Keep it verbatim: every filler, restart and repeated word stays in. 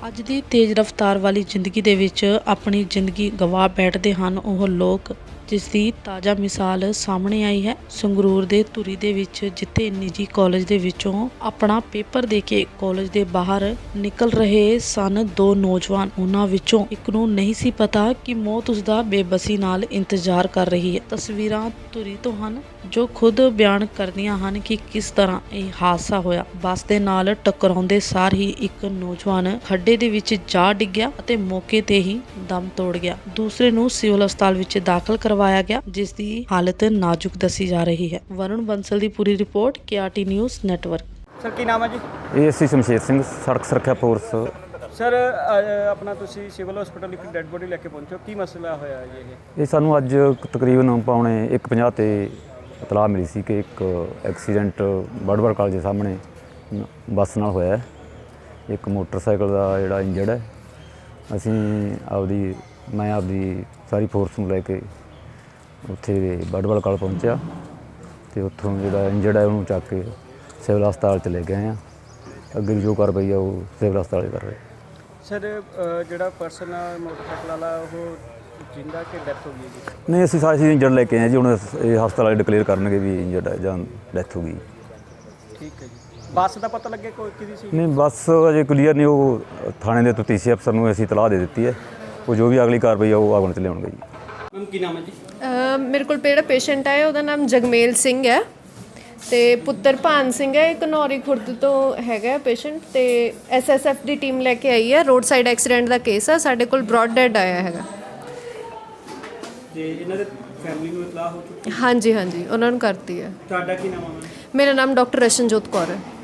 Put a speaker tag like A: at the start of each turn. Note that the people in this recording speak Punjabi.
A: ਅੱਜ ਦੀ ਤੇਜ਼ ਰਫ਼ਤਾਰ ਵਾਲੀ ਜ਼ਿੰਦਗੀ ਦੇ ਵਿੱਚ ਆਪਣੀ ਜ਼ਿੰਦਗੀ ਗਵਾ ਬੈਠਦੇ ਹਨ ਉਹ ਲੋਕ, ਜਿਸ ਦੀ ਤਾਜ਼ਾ ਮਿਸਾਲ ਸਾਹਮਣੇ ਆਈ ਹੈ ਸੰਗਰੂਰ ਦੇ ਧੂਰੀ ਦੇ ਵਿੱਚ, ਜਿੱਥੇ ਨਿੱਜੀ ਕਾਲਜ ਦੇ ਵਿੱਚੋਂ ਆਪਣਾ ਪੇਪਰ ਦੇ ਕੇ ਕਾਲਜ ਦੇ ਬਾਹਰ ਨਿਕਲ ਰਹੇ ਸਨ ਦੋ ਨੌਜਵਾਨ। ਉਹਨਾਂ ਵਿੱਚੋਂ ਇੱਕ ਨੂੰ ਨਹੀਂ ਸੀ ਪਤਾ ਕਿ ਮੌਤ ਉਸਦਾ ਬੇਬਸੀ ਨਾਲ ਇੰਤਜ਼ਾਰ ਕਰ ਰਹੀ ਹੈ। ਤਸਵੀਰਾਂ ਧੂਰੀ ਤੋਂ ਹਨ ਜੋ ਖੁਦ ਬਿਆਨ ਕਰਦੀਆਂ ਹਨ ਕਿ ਕਿਸ ਤਰ੍ਹਾਂ ਇਹ ਹਾਦਸਾ ਹੋਇਆ। ਬੱਸ ਦੇ ਨਾਲ ਟਕਰਾਉਂਦੇ ਸਾਰ ਹੀ ਇੱਕ ਨੌਜਵਾਨ ਖੱਡੇ ਦੇ ਵਿੱਚ ਜਾ ਡਿੱਗਿਆ ਅਤੇ ਮੌਕੇ ਤੇ ਹੀ ਦਮ ਤੋੜ ਗਿਆ। ਦੂਸਰੇ ਨੂੰ ਸਿਵਲ ਹਸਪਤਾਲ ਵਿੱਚ ਦਾਖਲ ਕਰਵਾਇਆ ਗਿਆ, ਜਿਸ ਦੀ ਹਾਲਤ ਨਾਜ਼ੁਕ ਦੱਸੀ ਜਾ ਰਹੀ ਹੈ। ਵਰੁਣ ਬੰਸਲ ਦੀ ਪੂਰੀ report, K R T news network.
B: Sir ਕੀ ਨਾਮ ਹੈ ਜੀ?
C: A S C Shamsher Singh, ਸੜਕ ਸੁਰੱਖਿਆ ਫੋਰਸ।
B: ਸਰ ਆਪਣਾ ਤੁਸੀਂ ਸਿਵਲ ਹਸਪੀਟਲ ਇੱਕ ਡੈੱਡ ਬੋਡੀ ਲੈ ਕੇ ਪਹੁੰਚੋ, ਕੀ ਮਸਲਾ ਹੋਇਆ ਜੀ ਇਹ?
C: ਇਹ ਸਾਨੂੰ ਅੱਜ ਤਕਰੀਬਨ ਪੌਣੇ ਇੱਕ ਪੰਜਾਹ ਤੇ ਇਤਲਾਹ ਮਿਲੀ ਸੀ ਕਿ ਇੱਕ ਐਕਸੀਡੈਂਟ ਬੜਬੜ ਕਾਲਜ ਦੇ ਸਾਹਮਣੇ ਬੱਸ ਨਾਲ ਹੋਇਆ ਹੈ। ਇੱਕ ਮੋਟਰਸਾਈਕਲ ਦਾ ਜਿਹੜਾ ਇੰਜਰਡ ਹੈ। ਅਸੀਂ ਆਪਦੀ ਮੈਂ ਆਪਦੀ ਸਾਰੀ ਫੋਰਸ ਨੂੰ ਲੈ ਕੇ ਉੱਥੇ ਬੜਬੜ ਕਾਲਜ ਪਹੁੰਚਿਆ ਅਤੇ ਉੱਥੋਂ ਜਿਹੜਾ ਇੰਜਰਡ ਹੈ ਉਹਨੂੰ ਚੱਕ ਕੇ ਸਿਵਲ ਹਸਪਤਾਲ 'ਚ ਲੈ ਗਏ ਹਾਂ। ਅੱਗੇ ਦੀ ਜੋ ਕਾਰਵਾਈ ਆ ਉਹ ਸਿਵਲ ਹਸਪਤਾਲ ਕਰ ਰਹੇ।
B: ਸਰ ਜਿਹੜਾ ਪਰਸਨ ਮੋਟਰਸਾਈਕਲ ਵਾਲਾ ਉਹ ਜਿੰਦਾ ਕਿ ਡੈਥ ਹੋ ਗਈ ਜੀ?
C: ਨਹੀਂ, ਅਸੀਂ ਸਾਰੇ ਇੰਜਰਡ ਲੈ ਕੇ ਆਏ ਜੀ। ਹੁਣ ਇਹ ਹਸਪਤਾਲ ਵਾਲੇ ਡਿਕਲੇਅਰ ਕਰਨਗੇ ਵੀ ਇੰਜਰਡ ਹੈ ਜਾਂ ਡੈਥ ਹੋ ਗਈ।
B: ਠੀਕ ਹੈ ਜੀ। ਬੱਸ ਦਾ ਪਤਾ ਲੱਗਿਆ ਕੋਈ ਕਿਹਦੀ ਸੀ?
C: ਨਹੀਂ, ਬੱਸ ਅਜੇ ਕਲੀਅਰ ਨਹੀਂ। ਉਹ ਥਾਣੇ ਦੇ ਤਫਤੀਸ਼ੀ ਅਫਸਰ ਨੂੰ ਅਸੀਂ ਇਤਲਾਹ ਦੇ ਦਿੱਤੀ ਹੈ। ਉਹ ਜੋ ਵੀ ਅਗਲੀ ਕਾਰਵਾਈ ਆ ਉਹ ਆਗਣ 'ਚ ਲਿਆਉਣਗੇ ਜੀ।
B: ਮੈਮ ਕੀ ਨਾਮ ਹੈ ਜੀ?
D: ਮੇਰੇ ਕੋਲ ਜਿਹੜਾ ਪੇਸ਼ੈਂਟ ਆਇਆ ਉਹਦਾ ਨਾਮ ਜਗਮੇਲ ਸਿੰਘ ਹੈ ਅਤੇ ਪੁੱਤਰ ਭਾਨ ਸਿੰਘ ਹੈ। ਇਹ ਘਨੌਰੀ ਖੁਰਦ ਤੋਂ ਹੈਗਾ ਪੇਸ਼ੈਂਟ, ਅਤੇ ਐਸ ਐਸ ਐਫ ਦੀ ਟੀਮ ਲੈ ਕੇ ਆਈ ਹੈ। ਰੋਡ ਸਾਈਡ ਐਕਸੀਡੈਂਟ ਦਾ ਕੇਸ ਆ। ਸਾਡੇ ਕੋਲ ਬ੍ਰੌਡ ਡੈਡ ਆਇਆ ਹੈਗਾ।
B: ਤੇ ਇਹਨਾਂ ਦੇ ਫੈਮਿਲੀ ਨੂੰ ਇਤਲਾਹ ਹੋ ਚੁੱਕੀ?
D: ਹਾਂਜੀ ਹਾਂਜੀ, ਉਹਨਾਂ ਨੂੰ ਕਰਤੀ ਹੈ।
B: ਤੁਹਾਡਾ ਕੀ ਨਾਮ ਹੈ?
D: ਮੇਰਾ ਨਾਮ ਡਾਕਟਰ ਰਸ਼ਨਜੋਤ ਕੌਰ ਹੈ।